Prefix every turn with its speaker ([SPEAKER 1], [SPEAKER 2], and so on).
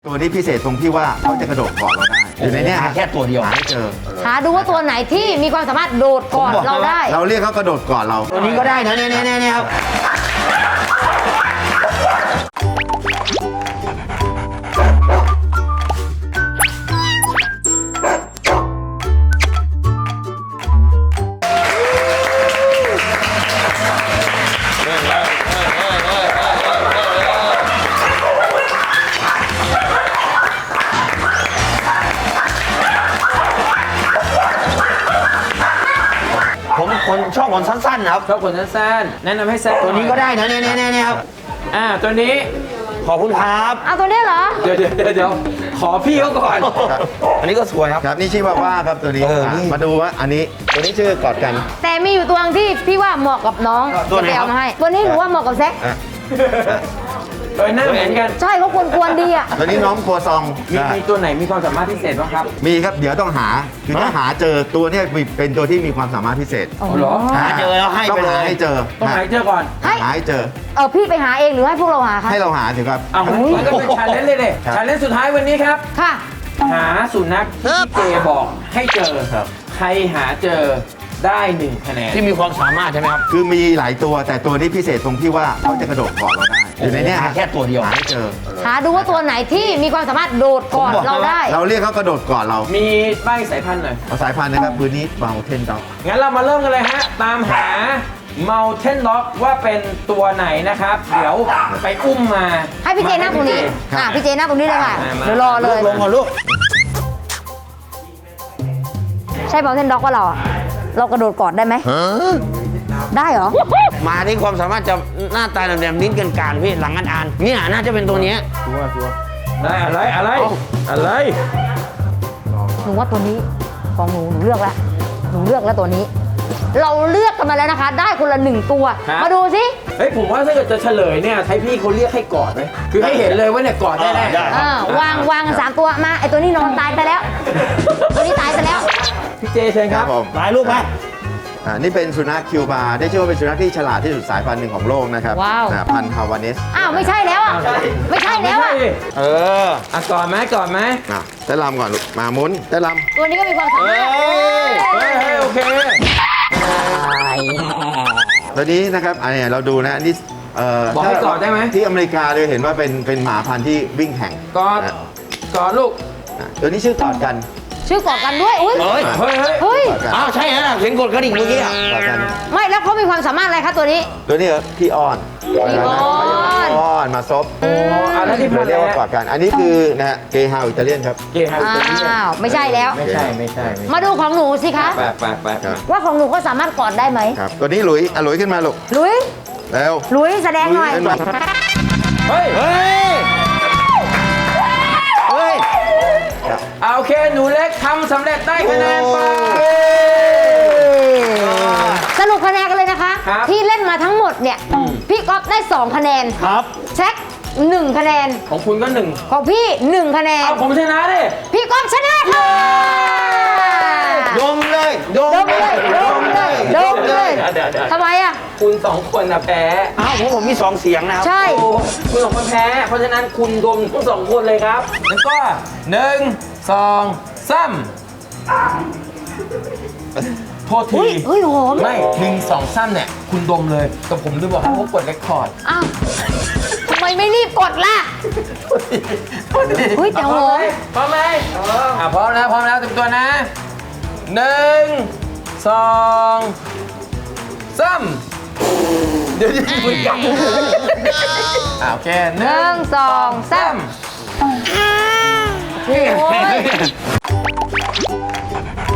[SPEAKER 1] ตัวนี้พิเศษตรงที่ว่าเขาจะกระโดดเกาะเราได้อยู่ในเนี้ย
[SPEAKER 2] หาแค่ตัวเดียว
[SPEAKER 1] หาไม่เจอ
[SPEAKER 3] หาดูว่าตัวไหนที่มีความสามารถโดดก่อนเราได้
[SPEAKER 1] เราเรียกเขากระโดดเกาะเรา
[SPEAKER 2] ตัวนี้ก็ได้นะเนี่ยครับผมคนชอบคนสั้นๆนะครับ
[SPEAKER 4] ชอบคนสั้นๆแนะนำให้แซะ
[SPEAKER 2] ตัวนี้ก็ได้นะเนี่ยครับ
[SPEAKER 4] ตัวนี้
[SPEAKER 2] ขอบคุณครับ
[SPEAKER 3] เอาตัวนี้เหรอ
[SPEAKER 4] เดี๋ยวขอพี่เขาก่อน
[SPEAKER 2] อันนี้ก็สวยครับ
[SPEAKER 1] ครับนี่ชื่อว่าครับตัวนี้
[SPEAKER 2] นี่
[SPEAKER 1] มาดูว่าอันนี้ตัวนี้ชื่อกอดกัน
[SPEAKER 3] แต่มีอยู่ตัวนึงที่พี่ว่าเหมาะกับน้อง
[SPEAKER 2] ตัวไหน
[SPEAKER 3] จะไป
[SPEAKER 2] ครับ
[SPEAKER 3] เอามาให้ตัวนี้หนูว่าเหมาะกับแซค
[SPEAKER 1] อ่ะ
[SPEAKER 4] โดยหน้าเหมือนกัน
[SPEAKER 3] ใช่เขาควรดีอ่ะ
[SPEAKER 1] ตัวนี้น้องครัวซอง
[SPEAKER 4] มีตัวไหนมีความสามารถพิเศษบ้างครับ
[SPEAKER 1] มีครับเดี๋ยวต้องหาคือถ้าหาเจอตัวเนี้ยเป็นตัวที่มีความสามารถพิเศษ
[SPEAKER 4] อ๋อเหรอ
[SPEAKER 2] หาเจอแล้วให้
[SPEAKER 1] ต้อง
[SPEAKER 2] ไปเล
[SPEAKER 1] หาย ให้เจอ
[SPEAKER 4] ต้องหาให้เจอก่อน
[SPEAKER 3] ให้
[SPEAKER 1] หาให้เจอ
[SPEAKER 3] พี่ไปหาเองหรือให้พวกเราหาคะ
[SPEAKER 1] ให้เราหาถึงครับ
[SPEAKER 4] เอางั้นก็เป็นชาเลนจ์เลยเด็
[SPEAKER 1] ครับ
[SPEAKER 4] ชาเลนจ์สุดท้ายวันนี้ครับ
[SPEAKER 3] ค่ะ
[SPEAKER 4] หาสุนัขที่เจบอกให้เจอ
[SPEAKER 1] ครับ
[SPEAKER 4] ใครหาเจอได้1คะแนน
[SPEAKER 2] ที่มีความสามารถใช่ไหมครับ
[SPEAKER 1] คือมีหลายตัวแต่ตัวนี้พิเศษตรงที่ว่าเขาจะกระโดดเกาะเราได้อยู่ในเนี้ย
[SPEAKER 2] หาแค่ตัวเดียว
[SPEAKER 1] หาให้เจอ
[SPEAKER 3] หาดูว่าตัวไหนที่มีความสามารถโดดก่อนเราได้
[SPEAKER 1] เราเรียกเขากระโดดเกาะเรา
[SPEAKER 4] มีใบสายพันธุ์หน่อย
[SPEAKER 1] เอาสายพันธุ์นะครับปืนนี้เมาเทนด็อก
[SPEAKER 4] งั้นเรามาเริ่มกันเลยฮะ ตามหา Mountain Dog ว่าเป็นตัวไหนนะครับ เดี๋ยวไปอุ้มมา
[SPEAKER 3] ให้พี่เจนั่งตรงนี้ พี่เจนั่งตรงนี้เลยค่ะ
[SPEAKER 4] มา
[SPEAKER 3] เดี๋ยวรอเลย
[SPEAKER 2] ลงก่อนลูก
[SPEAKER 3] ใช่เบลเทนด็อกว่าเราอะเรากระโดดกอดได้ไหมได้เหรอ
[SPEAKER 2] มาที่ความสามารถจะหน้าตาแหลมๆลิ้นกันการพี่หลังอันอันเนี่ยน่าจะเป็นตัวเนี้ย
[SPEAKER 4] ได้อะไร
[SPEAKER 3] หนูว่าตัวนี้ของหนูเลือกแล้วหนูเลือกแล้วตัวนี้ เราเลือกกันมาแล้วนะคะ ได้คนละ1 ตัว มาดูสิ
[SPEAKER 4] เฮ้ย ผมว่าถ้าเกิดจะเฉลยเนี่ยใช้พี่เขาเรียกให้กอดไหมคือให้เห็นเลยว่าเนี่ยกอดได้แน่
[SPEAKER 2] ได้
[SPEAKER 3] วางกัน3 ตัวมาไอตัวนี้นอนตายไปแล้ว ตัวนี้ตายไปแล้ว
[SPEAKER 4] พี่เจเชิญครับ
[SPEAKER 1] ผม
[SPEAKER 2] หลายลูกไหม
[SPEAKER 1] นี่เป็นสุนัขคิวบาร์ได้ชื่อว่าเป็นสุนัขที่ฉลาดที่สุดสายพันธุ์หนึ่งของโลกนะครับ
[SPEAKER 3] ว้าว
[SPEAKER 1] พันธุ์ฮาวาเนส
[SPEAKER 3] อ้าวไม่ใช่แล้วอ่ะไม่ใช่แล้วอ่ะ
[SPEAKER 2] เออ
[SPEAKER 4] กอดไหม
[SPEAKER 1] เต้นรำก่อนลูกมาหมุนเต้นร
[SPEAKER 3] ตัวนี้ก็มีความสามารถ
[SPEAKER 4] เฮ้ยโอเค
[SPEAKER 1] ำตัวนี้นะครับอันนี้เราดูนะนี่
[SPEAKER 4] บอกให้กอดได้ไหม
[SPEAKER 1] ที่อเมริกาเลยเห็นว่าเป็นหมาพันธุ์ที่วิ่งแข่ง
[SPEAKER 4] กอด
[SPEAKER 1] นะ
[SPEAKER 4] กอดลูก
[SPEAKER 1] ตัวนี้ชื่อกอดกัน
[SPEAKER 3] ชื่อกอดกันด้วยอุ้ย
[SPEAKER 2] เฮ้ย
[SPEAKER 4] เฮ้ย
[SPEAKER 3] เฮ้ย
[SPEAKER 1] กอดกัน
[SPEAKER 2] อ้าวใช่ฮะเสียงกดกระดิ่งเมื่อกี้อะ
[SPEAKER 1] กอดกัน
[SPEAKER 3] ไม่แล้วเขามีความสามารถอะไรคะตัวนี้
[SPEAKER 1] ตัวนี้เหรอพี่อ้อน
[SPEAKER 3] พี่อ้อน
[SPEAKER 1] อ้อนมาซบ
[SPEAKER 4] แล้วที่พั
[SPEAKER 1] เรา
[SPEAKER 4] น
[SPEAKER 1] เรียก
[SPEAKER 4] แล้
[SPEAKER 1] ว่ากอดกัน อันนี้คือนะฮะเกฮาวอิตาเลียนครับ
[SPEAKER 4] เกย์ฮา
[SPEAKER 3] อ้าวไม่ใช่แล้ว
[SPEAKER 4] ไม่ใช่
[SPEAKER 3] มาดูของหนูสิคะ
[SPEAKER 4] ไป
[SPEAKER 1] ครับ
[SPEAKER 3] ว่าของหนูก็สามารถกอดได้ไหม
[SPEAKER 1] ครับตัวนี้หลุยหลุยขึ้นมาลูก
[SPEAKER 3] ลุย
[SPEAKER 1] เร็ว
[SPEAKER 3] ลุยแสดงหน่อย
[SPEAKER 1] ขึ้นมา
[SPEAKER 4] เฮ้ย
[SPEAKER 2] เฮ้ย เฮ้ย
[SPEAKER 4] โอเค หนูเล็กทำสำเร็จได้คะแนนไป
[SPEAKER 3] สรุปคะแนนกันเลยนะคะ
[SPEAKER 4] ครับ
[SPEAKER 3] ที่เล่นมาทั้งหมดเนี่ย พี่ก๊อฟได้2 คะแนน
[SPEAKER 2] ครับ
[SPEAKER 3] แช็ค1 คะแนน
[SPEAKER 4] ของคุณก็หนึ่ง
[SPEAKER 3] ของพี่ 1 คะแนน
[SPEAKER 4] เอาผมชนะดิ
[SPEAKER 3] พี่ก๊อฟชนะค่ะ
[SPEAKER 2] ดมเลยดม
[SPEAKER 3] ดมเลยดมเลยดมเลย
[SPEAKER 4] เดี๋ยว
[SPEAKER 3] ทำไมอ่ะ
[SPEAKER 4] คุณสองคนนะแพ้
[SPEAKER 2] อ้าวผมมี2 เสียงนะครับ
[SPEAKER 3] ใช่
[SPEAKER 4] โอ้คุณสองคนแพ้ เพราะฉะนั้นคุณดมทั้ง2 คนเลยครับ แล้วก็1 2 3โทษที
[SPEAKER 3] เฮ้ยหอม
[SPEAKER 4] ไม่1 2 3เนี่ย คุณดมเลย แต่ผมลืมบอกให้เขากดเรคคอร์ด
[SPEAKER 3] อ้าวทำไมไม่รีบกดล่ะ เฮ้ยแต่หอม
[SPEAKER 4] พร้อมไหมพร้อมแล้วเต็มตัวนะ1 2 3เดี๋ยวคุยกันโอเค
[SPEAKER 3] 1
[SPEAKER 4] 1
[SPEAKER 3] 2 3
[SPEAKER 4] 3
[SPEAKER 3] โอ้ย